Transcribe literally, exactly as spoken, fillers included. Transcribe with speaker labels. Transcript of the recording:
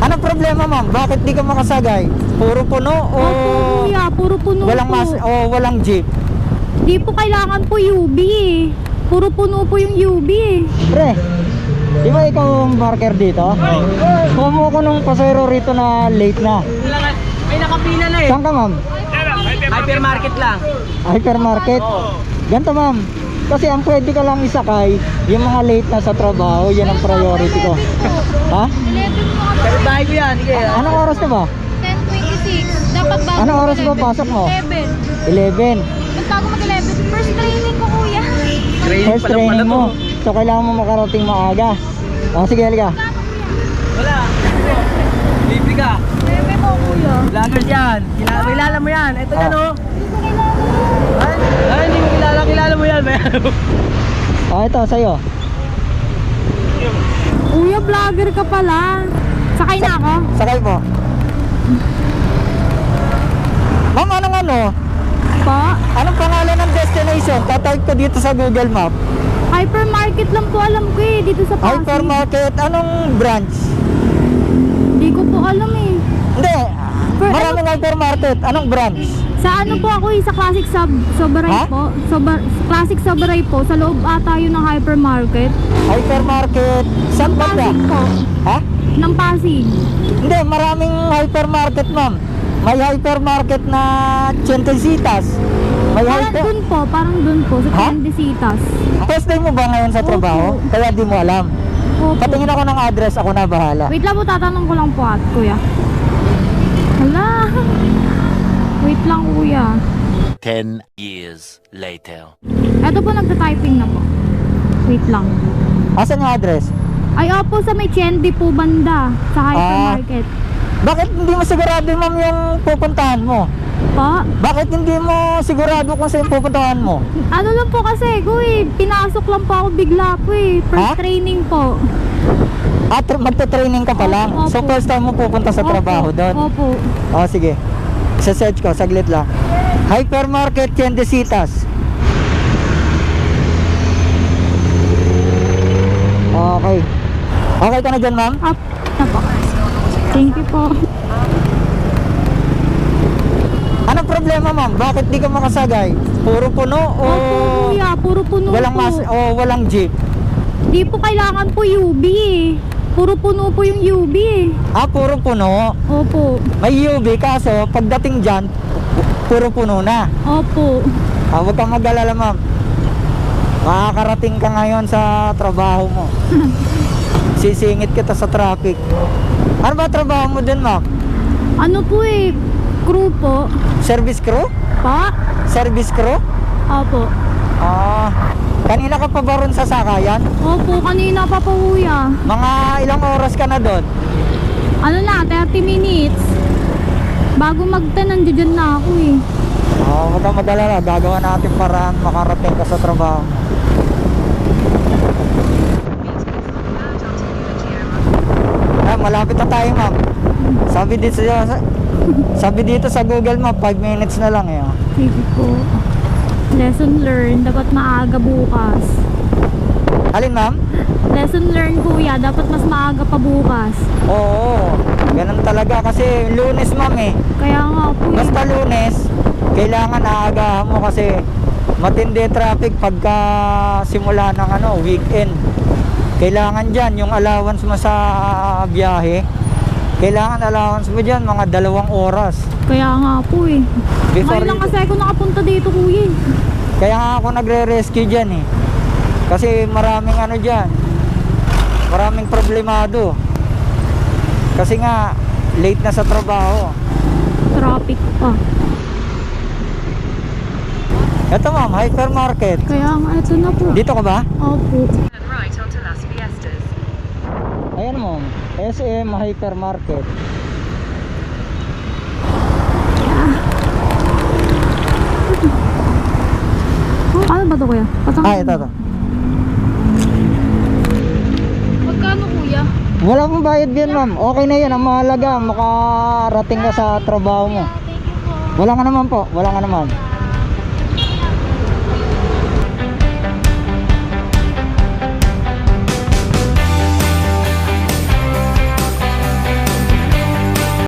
Speaker 1: Anong problema, ma'am? Bakit di ka makasagay? Puro puno o
Speaker 2: Opo kuya, puro puno
Speaker 1: walang
Speaker 2: po.
Speaker 1: mas o walang jeep?
Speaker 2: Di po kailangan po U B eh. Puro puno po yung U B eh.
Speaker 1: Pre, di ba ikaw ang marker dito? Kuha mo ko nung pasero rito na late na.
Speaker 3: May nakapila na eh.
Speaker 1: Saan ka, ma'am?
Speaker 3: Hypermarket lang.
Speaker 1: Hypermarket? Ganto, ma'am. Kasi ang pwede ka lang isakay, yung mga late na sa trabaho, yan ang priority ko. Ha?
Speaker 2: eleven po kami.
Speaker 3: Pero bahay ko yan. Sige.
Speaker 1: Anong oras na ba?
Speaker 2: ten twenty-six. Dapat bago
Speaker 1: Anong oras ba
Speaker 2: mag-eleven.
Speaker 1: pasok mo?
Speaker 2: eleven.
Speaker 1: eleven.
Speaker 2: Ba't bago mag-eleven? First training ko kuya.
Speaker 3: Training
Speaker 1: First
Speaker 3: pa lang pala
Speaker 1: training
Speaker 3: to.
Speaker 1: mo. So kailangan mo makarating maaga. O sige, halika.
Speaker 3: Wala. Libre ka.
Speaker 2: Bebe po kuya.
Speaker 3: Vloggers yan. Kilala, kilala mo yan. Ito yan
Speaker 1: Ah.
Speaker 3: oh. Ay, ay, hindi mo kilala. Kilala mo yan.
Speaker 1: O ito, sa'yo.
Speaker 2: Kuya, vlogger ka pala. Sakay na ako.
Speaker 1: Sakay po. Ma'am, anong ano?
Speaker 2: Po.
Speaker 1: Anong pangalan ng destination? Tatype ko dito sa Google Map.
Speaker 2: Hypermarket lang po alam ko eh. Dito sa Pasig.
Speaker 1: Hypermarket, anong branch?
Speaker 2: Hindi ko po alam eh.
Speaker 1: Hindi,
Speaker 2: Per-
Speaker 1: maraming hypermarket. Anong branch?
Speaker 2: Sa ano po ako eh, sa Classic Sub Soberay
Speaker 1: Ha?
Speaker 2: po. Sober, Classic Soberay po. Sa loob ata yun ng hypermarket.
Speaker 1: Hypermarket, saan ba ba?
Speaker 2: Pasig po.
Speaker 1: Ha?
Speaker 2: Ng Pasig.
Speaker 1: Hindi, maraming hypermarket, ma'am. May hypermarket na Chentesitas. May
Speaker 2: Parang
Speaker 1: hyper...
Speaker 2: dun po, parang dun po, sa
Speaker 1: Ha?
Speaker 2: Tiendesitas.
Speaker 1: First day mo ba ngayon sa
Speaker 2: Opo.
Speaker 1: trabaho? Kaya di mo alam.
Speaker 2: Opo.
Speaker 1: Patingin ako ng address, ako na bahala.
Speaker 2: Wait lang po, tatanong ko lang po at kuya. Hala. Wait lang kuya.
Speaker 4: Ten years later.
Speaker 2: Eto po, nagta-typing na po. Wait lang.
Speaker 1: Asan yung address?
Speaker 2: Ay, opo, sa may Chendi po banda. Sa hypermarket.
Speaker 1: Bakit hindi mo sigurado, ma'am, yung pupuntahan mo?
Speaker 2: Po?
Speaker 1: Bakit hindi mo sigurado kung saan pupuntahan mo?
Speaker 2: Ano lang po kasi, kuy, pinasok lang po ako bigla po eh. First
Speaker 1: Ha?
Speaker 2: training po.
Speaker 1: At magte-training ka pa lang.
Speaker 2: Opo,
Speaker 1: So
Speaker 2: opo.
Speaker 1: first time mo pupunta sa
Speaker 2: Opo,
Speaker 1: trabaho doon.
Speaker 2: Opo.
Speaker 1: O sige. Isa-search ko, saglit lang. Hypermarket Tiendesitas. Okay. Okay ka na dyan, ma'am?
Speaker 2: Up na po. Thank you po.
Speaker 1: Anong problema, ma'am? Bakit di ka makasagay? Puro puno o
Speaker 2: Opo kuya, puro puno
Speaker 1: walang
Speaker 2: po.
Speaker 1: mas o walang jeep?
Speaker 2: Di po kailangan po U B eh. Puro puno po yung U B eh.
Speaker 1: Ah, puro puno.
Speaker 2: Opo.
Speaker 1: May U V kaso pagdating dyan, puro puno na.
Speaker 2: Opo.
Speaker 1: Ah, huwag kang mag-alala, ma'am. Makakarating ka ngayon sa trabaho mo. Sisingit kita sa traffic. Ano ba trabaho mo din, ma'am?
Speaker 2: Ano po eh, crew po.
Speaker 1: Service crew?
Speaker 2: Pa?
Speaker 1: Service crew?
Speaker 2: Opo.
Speaker 1: Ah, kanina ka pa ba ron sa sakayan?
Speaker 2: Opo, kanina pa po kuya.
Speaker 1: Mga ilang oras ka na doon?
Speaker 2: Ano na, thirty minutes. Bago mag-ten, nandiyan na ako eh.
Speaker 1: Ah, huwag kang mag-alala. Gagawa natin paraan makarating ka sa trabaho. Ah, malapit na tayo, ma'am. Sabi dito sa sabi dito sa Google Map, five minutes na lang eh. oh.
Speaker 2: Sige po. Lesson learned, dapat maaga bukas.
Speaker 1: Alin, ma'am?
Speaker 2: Lesson learned kuya, dapat mas maaga pa bukas.
Speaker 1: Oo, ganun talaga kasi Lunes, ma'am eh.
Speaker 2: Kaya nga po eh.
Speaker 1: Basta Lunes, kailangan aagahan mo kasi matindi traffic pagka simula ng ano, weekend. Kailangan dyan yung allowance mo sa biyahe. Kailangan allowance mo dyan mga dalawang oras.
Speaker 2: Kaya nga po eh.
Speaker 1: Before
Speaker 2: Ngayon lang
Speaker 1: you-
Speaker 2: kasi ako nakapunta dito kuya eh.
Speaker 1: Kaya nga ako nagre-rescue dyan eh. Kasi maraming ano dyan, maraming problemado. Kasi nga, late na sa trabaho.
Speaker 2: Traffic pa.
Speaker 1: Eto, ma'am, hypermarket.
Speaker 2: Kaya nga, ito na po.
Speaker 1: Dito ka ba?
Speaker 2: Opo.
Speaker 5: and right onto Las Fiestas.
Speaker 1: Ayan, ma'am, S M Hypermarket.
Speaker 2: Ano ba to kuya? Patang
Speaker 1: Ah, ito, ito.
Speaker 2: Magkano kuya?
Speaker 1: Wala mong bayad yan, ma'am. Okay na yan. Ang mahalaga, makarating ka sa trabaho mo.
Speaker 2: Thank you po.
Speaker 1: Wala nga naman po. Wala nga naman.